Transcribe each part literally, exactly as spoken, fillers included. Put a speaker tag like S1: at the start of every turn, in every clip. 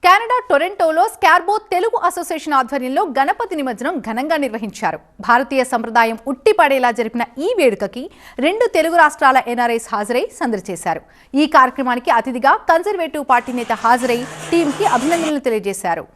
S1: Canada టొరంటోలో Scarborough Telugu association ఆధ్వర్యంలో గణపతి నిమజ్జనం ఘనంగా నిర్వహించారు. భారతీయ సంప్రదాయం ఉట్టిపడేలా జరిపిన ఈ వేడుకకి రెండు తెలుగు రాష్ట్రాల ఎన్ఆర్ఐస్ హాజరై సందడి చేశారు. ఈ కార్యక్రమానికి అతిథిగా కన్జర్వేటివ్ పార్టీ నేత హాజరై టీంకి అభినందనలు తెలియజేశారు.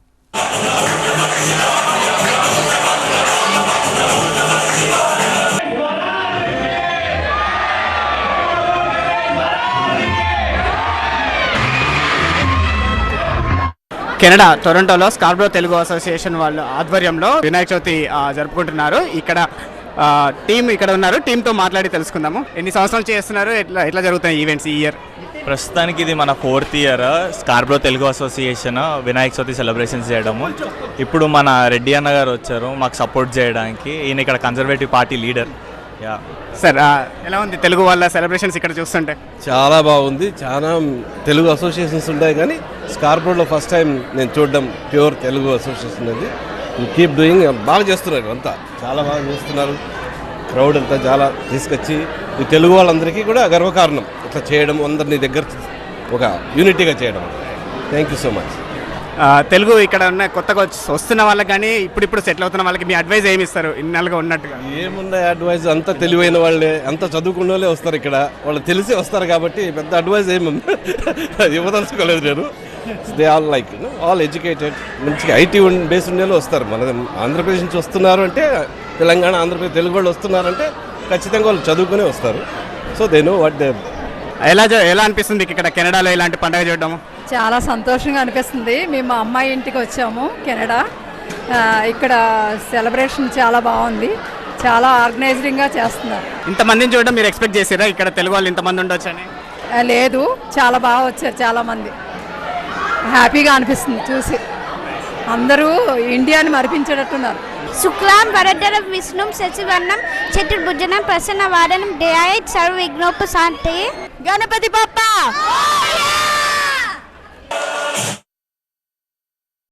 S2: కెనడా టొరంటోలో స్కార్బో తెలుగు అసోసియేషన్ వాళ్ళ ఆధ్వర్యంలో వినాయక చవితి జరుపుకుంటున్నారు. ఇక్కడ టీం ఇక్కడ ఉన్నారు. టీంతో మాట్లాడి తెలుసుకుందాము. ఎన్ని సంవత్సరాలు చేస్తున్నారు, ఎట్లా ఎట్లా జరుగుతాయి ఈవెంట్స్ ఈ ఇయర్?
S3: ప్రస్తుతానికి ఇది మన fourth year Scarborough Telugu association Vinayaka Chavithi celebrations చేయడము. ఇప్పుడు మన రెడ్డి అన్న గారు వచ్చారు మాకు సపోర్ట్ చేయడానికి. ఈయన ఇక్కడ conservative party leader. Yeah
S2: sir, ఎలా ఉంది తెలుగు వాళ్ళ సెలబ్రేషన్స్ ఇక్కడ చూస్తుంటే?
S4: చాలా బాగుంది. చాలా తెలుగు అసోసియేషన్స్ ఉంటాయి కానీ స్కార్బోలో ఫస్ట్ టైం నేను చూడడం ప్యూర్ తెలుగు అసోసియేషన్ అది. కీప్ డూయింగ్, బాగా చేస్తున్నారు అంతా, చాలా బాగా చేస్తున్నారు. క్రౌడ్ అంతా చాలా తీసుకొచ్చి ఈ తెలుగు వాళ్ళందరికీ కూడా గర్వకారణం ఇట్లా చేయడం, అందరినీ దగ్గర ఒక యూనిటీగా చేయడం. Thank you so much.
S2: Telugu ఇక్కడ ఉన్న కొత్తగా వస్తున్న వాళ్ళకి కానీ ఇప్పుడిప్పుడు సెటిల్ అవుతున్న వాళ్ళకి మీ అడ్వైజ్ ఏమి ఇస్తారు ఇన్నాళ్ళుగా ఉన్నట్టుగా?
S4: ఏమున్నాయి అడ్వైజ్, అంత తెలివైన వాళ్ళే, అంత చదువుకున్న వాళ్ళే వస్తారు ఇక్కడ. వాళ్ళు తెలిసి వస్తారు కాబట్టి పెద్ద అడ్వైజ్ ఏమి ఇవ్వదలుచుకోలేదు నేను. They all like all educated, మంచిగా ఐటీ బేస్ ఉండే వస్తారు. మన ఆంధ్రప్రదేశ్ నుంచి వస్తున్నారు అంటే, తెలంగాణ ఆంధ్రప్రదేశ్ తెలుగు వాళ్ళు వస్తున్నారంటే ఖచ్చితంగా వాళ్ళు చదువుకునే వస్తారు. So they know what they.
S2: ఎలా ఎలా అనిపిస్తుంది ఇక్కడ కెనడాలో ఇలాంటి పండుగ చూడడము?
S5: చాలా సంతోషంగా అనిపిస్తుంది. మేము మా అమ్మాయి ఇంటికి వచ్చాము కెనడా. ఇక్కడ సెలబ్రేషన్ చాలా బాగుంది, చాలా ఆర్గనైజింగ్గా చేస్తున్నారు.
S2: ఇంతమందిని చూడడం మీరు ఎక్స్పెక్ట్ చేసారా ఇక్కడ తెలుగు వాళ్ళు ఇంతమంది ఉండొచ్చని?
S5: లేదు, చాలా బాగా వచ్చారు చాలామంది. హ్యాపీగా అనిపిస్తుంది చూసి. అందరూ ఇండియాని మరిపించేటట్టున్నారు.
S6: శుక్లాం వరదరం విష్ణుం శశివర్ణం చతుర్భుజనం ప్రసన్న వాదనం ధ్యాయేత్ సర్వ విఘ్నోపశాంతయే. గణపతి బప్పా.